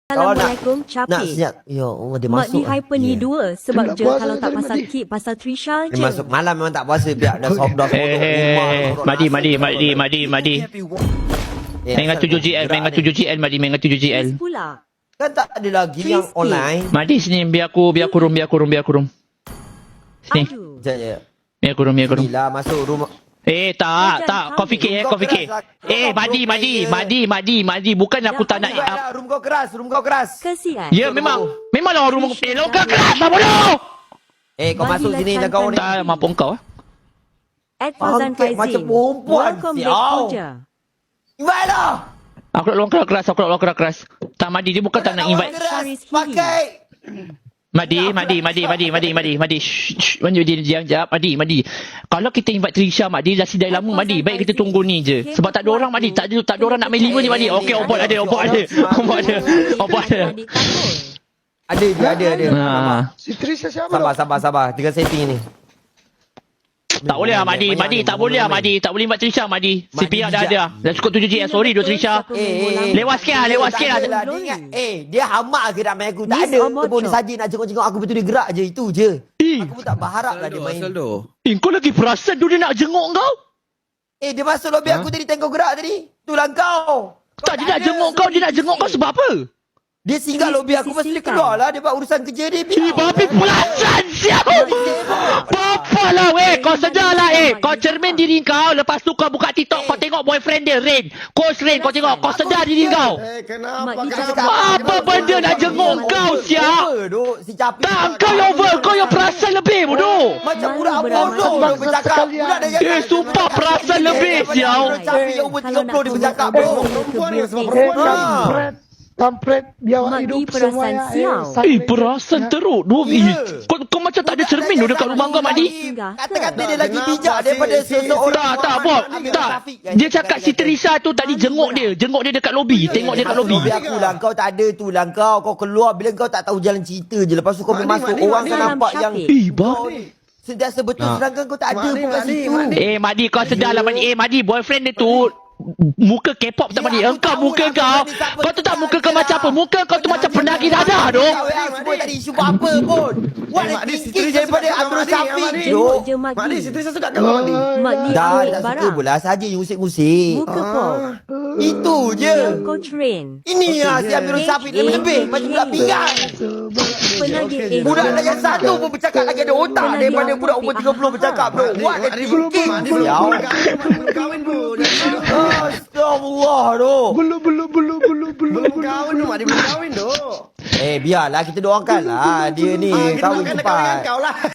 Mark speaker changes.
Speaker 1: Assalamualaikum
Speaker 2: nak
Speaker 1: Capik.
Speaker 2: siap. Ya Allah dia
Speaker 1: Mak
Speaker 2: masuk.
Speaker 1: ni hyper ni dua sebab
Speaker 3: Dia tak
Speaker 1: je
Speaker 3: puasa
Speaker 1: kalau tak
Speaker 3: tadi,
Speaker 1: pasal
Speaker 3: Madi.
Speaker 1: kid pasal Trisha
Speaker 2: Dia
Speaker 1: je.
Speaker 2: masuk malam memang tak puasa biar dah dah rumah.
Speaker 4: Madi. Mengat 7GL, mengat 7GL, Madi, mengat 7GL.
Speaker 1: Yes pula.
Speaker 2: Kan tak ada lagi yang
Speaker 1: Crispy.
Speaker 2: online.
Speaker 4: Madi sini, biar aku room. Sini,
Speaker 1: Aduh.
Speaker 2: Sekejap.
Speaker 4: biar aku room.
Speaker 2: Inilah masuk rumah.
Speaker 4: Tak, kau fikir, kau fikir. Madi, bukan aku tak nak.
Speaker 2: Room kau keras.
Speaker 1: Kesian.
Speaker 4: Ya, memanglah rumah kau keras lah bodoh.
Speaker 2: Kau masuk sini dah kau ni.
Speaker 4: Tak mampu kau.
Speaker 1: Ed Fazan
Speaker 2: Bangkit macam
Speaker 1: Faizin.
Speaker 2: perempuan,
Speaker 1: Welcome
Speaker 2: sial.
Speaker 1: back Puja.
Speaker 2: Invite lah.
Speaker 4: Aku nak luang keras. Tak Madi, dia bukan tak nak invite.
Speaker 2: Pakai.
Speaker 4: Madi. Shh, Madi, jap. Madi. Kalau kita invite Trisha, Madi, dah sidai lama, Madi. Baik kita tunggu ni je. Sebab tak ada orang, Madi. Tak ada orang nak main 5 ni, Madi. Okey, obat ada.
Speaker 2: Ada.
Speaker 3: Si Trisha siapa?
Speaker 2: Sabar. Tengah setting ni.
Speaker 4: Tak boleh lah, Madi. Tak boleh lah, Madi. Tak boleh invite Trisha, Madi. CPR dah ada. Dah cukup 7GL. Sorry, Trisha. Lewat sikit lah.
Speaker 2: Dia hamak ke nak main aku? Tak
Speaker 1: Miss
Speaker 2: ada.
Speaker 1: Omocho.
Speaker 2: Dia pun saja nak jenguk-jenguk aku betul dia gerak je. Itu je. Aku pun tak berharap lah dia main.
Speaker 4: Kau lagi perasan dia nak jenguk kau?
Speaker 2: Dia masuk lobby aku tadi tengok kau gerak tadi. Itulah kau.
Speaker 4: Tak, dia nak jenguk kau sebab apa?
Speaker 2: Dia singgah lobby aku mesti dia keluar lah. Dia buat urusan kerja dia.
Speaker 4: Babi perasan siap. Apa lah weh. Kau sedar lah Kau cermin diri kau. Lepas tu kau buka TikTok. Kau tengok boyfriend dia Rain. Coach Rain. Kau tengok. Kau sedar diri kau. Apa benda nak jenguk kau siap?
Speaker 2: Si Capi.
Speaker 4: Tak, kau yang over. Kau yang perasan lebih bodoh.
Speaker 2: Macam budak bodoh dia bercakap. Budak dia
Speaker 4: Sumpah perasan lebih siap.
Speaker 2: Capi yang umur 30 dia bercakap bro.
Speaker 3: Perempuan ni sebab perempuan kampret biar
Speaker 1: Mak
Speaker 3: hidup
Speaker 1: di perasan
Speaker 3: semuanya.
Speaker 1: sial.
Speaker 4: Perasan teruk. Kau macam tak ada cermin tu dekat rumah kau, Madi.
Speaker 2: Kata-kata dia lagi bijak daripada seseorang.
Speaker 4: Tak, Bob. Tak. Dia cakap si Trisha tu tadi jenguk dia. Jenguk dia dekat lobi. Tengok dia kat lobi.
Speaker 2: Aku lah. Kau tak ada tu lah. Kau keluar bila kau tak tahu jalan cerita je. Lepas tu kau masuk. Orang kan nampak yang
Speaker 4: Bob.
Speaker 2: sentiasa betul. Sedangkan kau tak ada pun kat situ.
Speaker 4: Madi, kau sedar lah, Madi. Madi, boyfriend dia tu muka K-pop tak, Madi. Engkau muka kau. Kau tu tak muka kau macam apa? Muka kau tu macam penagih dadah tu.
Speaker 2: Semua tak ada isu apa pun. What a thinking daripada Abdul Syafiq.
Speaker 1: Jenguk je Mak
Speaker 3: Mak
Speaker 1: Di.
Speaker 3: ni si Trisha suka kat kau ni.
Speaker 1: Mak Di
Speaker 2: Dah
Speaker 1: ambil
Speaker 2: tak suka
Speaker 1: barang.
Speaker 2: pula. Saja yang musik-musik.
Speaker 1: Muka pop.
Speaker 2: Itu je.
Speaker 1: Coach Rain.
Speaker 2: Ini lah si Abdul Syafiq lebih macam budak pinggan.
Speaker 1: Penagih
Speaker 2: Budak yang satu pun bercakap lagi ada otak daripada budak umur 30 bercakap bro. What a thinking.
Speaker 3: Belum kahwin pun.
Speaker 2: Astagfirullah tu.
Speaker 3: Belum kahwin tu. Mak dia belum kahwin tu.
Speaker 2: Biarlah kita doakan lah dia ni kahwin
Speaker 3: Kita
Speaker 2: cepat.
Speaker 3: kahwin kau lah.